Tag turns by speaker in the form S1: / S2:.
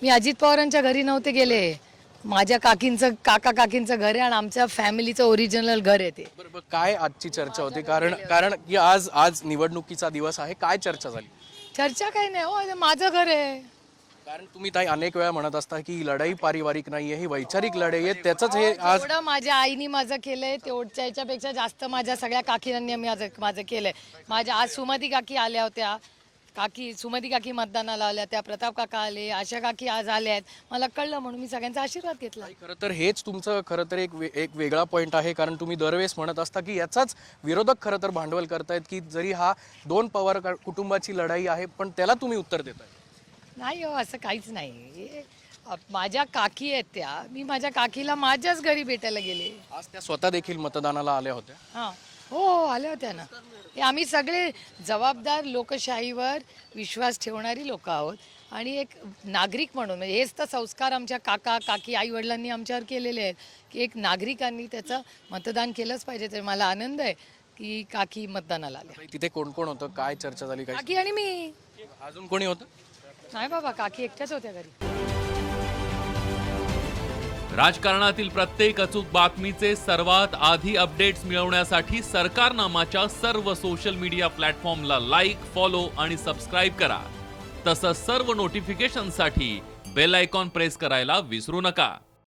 S1: मी अजित पवारांच्या घरी नव्हते गेले. माझ्या काकींचं घर आहे आणि आमच्या फॅमिलीचं ओरिजिनल घर आहे ते.
S2: बरोबर, काय आजची चर्चा होती? कारण की आज निवडणुकीचा दिवस आहे, काय चर्चा झाली?
S1: चर्चा काही नाही हो, हे माझं घर आहे.
S2: कारण तुम्ही ताई अनेक वेळा म्हणत असता की ही लढाई पारिवारिक नाहीये, ही वैचारिक लढाई आहे. त्याचंच हे आज
S1: जेवढं माझ्या आईनी माझं केलंय तेवढच्या याच्यापेक्षा जास्त माझ्या सगळ्या काकींनी माझं केलंय. माझ्या आज सुमती काकी आल्या होत्या, सुमती काकी मतदानाला आल्या त्या, प्रताप काका आले, आशा काकी आज आल्या आहेत. मला कळलं म्हणून मी सगळ्यांचा आशीर्वाद घेतला.
S2: खरं तर हेच तुमचं खरं तर एक वेगळा पॉईंट आहे. कारण तुम्ही दरवेळेस म्हणत असता की याचाच विरोधक खरं तर भांडवल करतायत की जरी हा दोन पवार कुटुंबाची लढाई आहे पण त्याला तुम्ही उत्तर देताय.
S1: नाही हो, असं काहीच नाही. माझ्या काकी आहेत त्या, मी माझ्या काकीला माझ्याच घरी भेटायला गेले.
S2: आज त्या स्वतः देखील मतदानाला आल्या होत्या.
S1: हां हो, आल्या होत्या ना. हे आम्ही सगळे जबाबदार, लोकशाहीवर विश्वास ठेवणारी लोक आहोत आणि एक नागरिक म्हणून म्हणजे हेच तर संस्कार आमच्या काकी आई वडिलांनी आमच्यावर केलेले आहेत की एक नागरिकांनी त्याचं मतदान केलंच पाहिजे. तर मला आनंद आहे की काकी मतदानाला आल्या.
S2: तिथे कोण कोण होतं, काय चर्चा झाली, काय
S1: काकी आणि मी.
S2: अजून कोणी होतं?
S1: नाही बाबा, काकी एकट्याच होत्या घरी.
S3: राजकारणातील प्रत्येक अचूक बातमीचे सर्वात आधी अपडेट्स मिळवण्यासाठी सरकारनामाच्या सर्व सोशल मीडिया प्लॅटफॉर्मला लाईक, फॉलो आणि सबस्क्राईब करा. तसंच सर्व नोटिफिकेशनसाठी बेल आयकॉन प्रेस करायला विसरू नका.